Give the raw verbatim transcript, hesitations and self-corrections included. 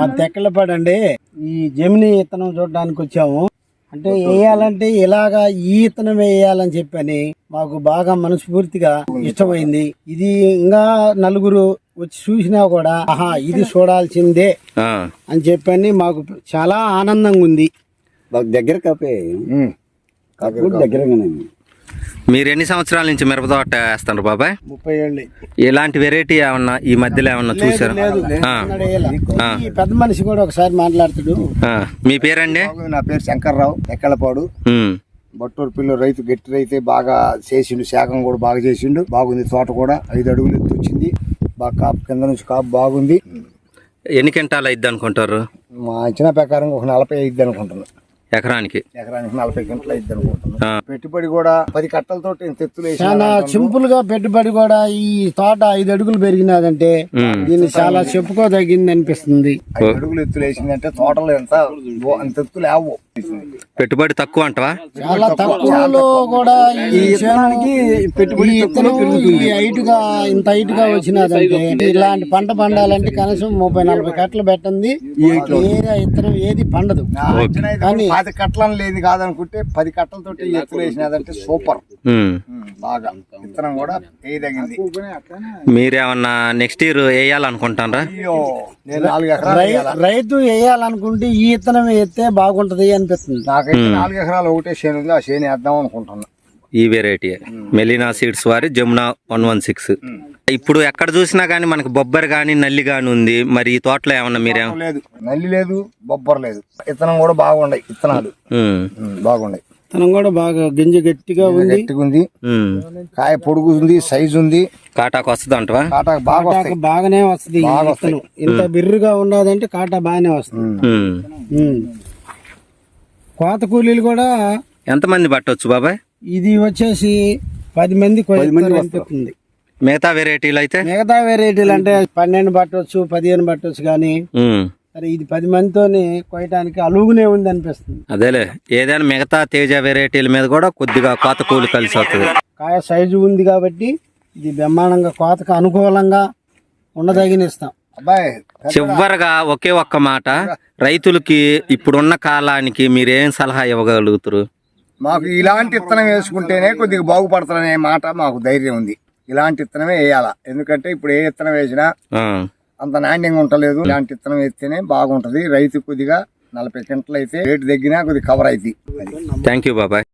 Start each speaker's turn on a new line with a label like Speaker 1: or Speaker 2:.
Speaker 1: మా తెక్కలపాడండి. ఈ జమిని ఇత్తనం చూడడానికి వచ్చాము. అంటే వేయాలంటే ఇలాగా ఈ ఇత్తనం వేయాలని చెప్పని మాకు బాగా మనస్ఫూర్తిగా ఇష్టమైంది. ఇది ఇంకా నలుగురు వచ్చి చూసినా కూడా ఆహా ఇది చూడాల్సిందే అని చెప్పని మాకు చాలా ఆనందంగా ఉంది.
Speaker 2: దగ్గర కాపే దగ్గరగానే.
Speaker 3: మీరు ఎన్ని సంవత్సరాల నుంచి మిరప తోట వేస్తారు బాబాయ్?
Speaker 1: ముప్పై ఏళ్ళు.
Speaker 3: ఇలాంటి వెరైటీ ఏమన్నా ఈ మధ్యలో ఏమన్నా చూసారు?
Speaker 1: పెద్ద మనిషి కూడా ఒకసారి మాట్లాడుతాడు.
Speaker 3: మీ పేరండి?
Speaker 2: నా పేరు శంకర్రావు, ఎక్కలపాడు. బట్టూరు పిల్లలు రైతు, గట్టి రైతే బాగా చేసిండు, శాఖం కూడా బాగా చేసిండు. బాగుంది తోట కూడా, ఐదు అడుగులు ఎత్తు వచ్చింది. బాగా కాపు కింద నుంచి కాపు బాగుంది.
Speaker 3: ఎన్ని క్వింటాలు అయిద్ది అనుకుంటారు?
Speaker 2: మా అంచనా ప్రకారం ఒక నలభై అయిద్ది అనుకుంటున్నాను.
Speaker 3: ఎకరానికి
Speaker 2: ఎకరానికి నలభై గంటలు అయిద్ది అనుకుంటున్నాను. పెట్టుబడి కూడా పది కట్టలతో తెత్తులు
Speaker 1: చాలా సింపుల్ గా పెట్టుబడి కూడా. ఈ తోట ఐదు అడుగులు పెరిగినదంటే దీన్ని చాలా చెప్పుకోదగింది అనిపిస్తుంది.
Speaker 2: ఐదు అడుగులు ఎత్తులు వేసిందంటే తోటలో ఎంత అంత ఎత్తులు లేవు.
Speaker 3: పెట్టుబడి తక్కువ అంటవా?
Speaker 1: చాలా తక్కువలో కూడా ఈ పెట్టుబడి హైట్ గా ఇంత హైట్ గా వచ్చినదంటే ఇలాంటి పంట పండాలంటే కనీసం ముప్పై నలభై కట్టలు పెట్టండి. ఏరియా ఇత్తనం ఏది పండదు. కానీ
Speaker 2: పది కట్టలను లేదు కాదనుకుంటే పది కట్టలతో ఎత్తులు వేసినదంటే సూపర్. బాగా విత్తనం కూడా వేయదగింది.
Speaker 3: మీరేమన్నా నెక్స్ట్ ఇయర్ వేయాలనుకుంటారా?
Speaker 1: రైతు వేయాలనుకుంటే ఈ ఇత్తనం వేస్తే బాగుంటది అనిపిస్తుంది.
Speaker 2: నాకైతే నాలుగు ఎకరాలు ఒకటే చేను ఉంది, ఆ చేను వేద్దాం అనుకుంటున్నా.
Speaker 3: ఈ వెరైటీ మెలీనా సీడ్స్ వారి జమునా వన్ వన్ సిక్స్. ఇప్పుడు ఎక్కడ చూసినా గానీ మనకి బొబ్బర్ గానీ నల్లి గానీ ఉంది. మరి ఈ తోటలో ఏమన్నా మీరేం
Speaker 2: లేదు? నల్లి లేదు, బొబ్బర్ లేదు. విత్తనం కూడా బాగుండయి, విత్తనాలు బాగుండయి.
Speaker 1: విత్తనం కూడా బాగా గింజ గట్టిగా ఉంది,
Speaker 2: గట్టిగా ఉంది. కాయ పొడుగు ఉంది, సైజు ఉంది.
Speaker 3: కాటాకు వస్తుంది అంటవా?
Speaker 2: కాటా బాగా
Speaker 1: బాగానే వస్తుంది. ఇంత బిర్రుగా ఉన్నదంటే కాటా బాగానే వస్తుంది. కోత కూలీలు కూడా
Speaker 3: ఎంతమంది పట్టవచ్చు బాబాయ్?
Speaker 1: ఇది వచ్చేసి పది మంది అనిపిస్తుంది.
Speaker 3: మిగతా వెరైటీలు అయితే
Speaker 1: మిగతా వెరైటీలు అంటే పన్నెండు పట్టవచ్చు, పదిహేను పట్టవచ్చు. కానీ సరే ఇది పది మందితోని కొయ్యడానికి అలుగునే ఉంది అనిపిస్తుంది.
Speaker 3: అదేలే, ఏదైనా మిగతా తేజ వెరైటీల మీద కూడా కొద్దిగా కోత కూలి కలిసి వస్తుంది.
Speaker 1: కాయ సైజు ఉంది కాబట్టి ఇది బ్రహ్మాండంగా కోతకు అనుకూలంగా ఉండదగిన ఇస్తాం.
Speaker 2: అబ్బాయి
Speaker 3: చివరగా ఒకే ఒక్క మాట, రైతులకి ఇప్పుడున్న కాలానికి మీరేం సలహా ఇవ్వగలుగుతారు?
Speaker 2: మాకు ఇలాంటి విత్తనం వేసుకుంటేనే కొద్దిగా బాగుపడతారనే మాట మాకు ధైర్యం ఉంది. ఇలాంటి విత్తనమే వేయాలా, ఎందుకంటే ఇప్పుడు ఏ విత్తనం వేసినా అంత నాణ్యంగా ఉంటలేదు. ఇలాంటి విత్తనం వేస్తేనే బాగుంటది. రైతు కొద్దిగా నలభై గంటలు అయితే రేటు తగ్గినా కొద్దిగా కవర్ అవుతుంది.
Speaker 3: థ్యాంక్ యూ బాబాయ్.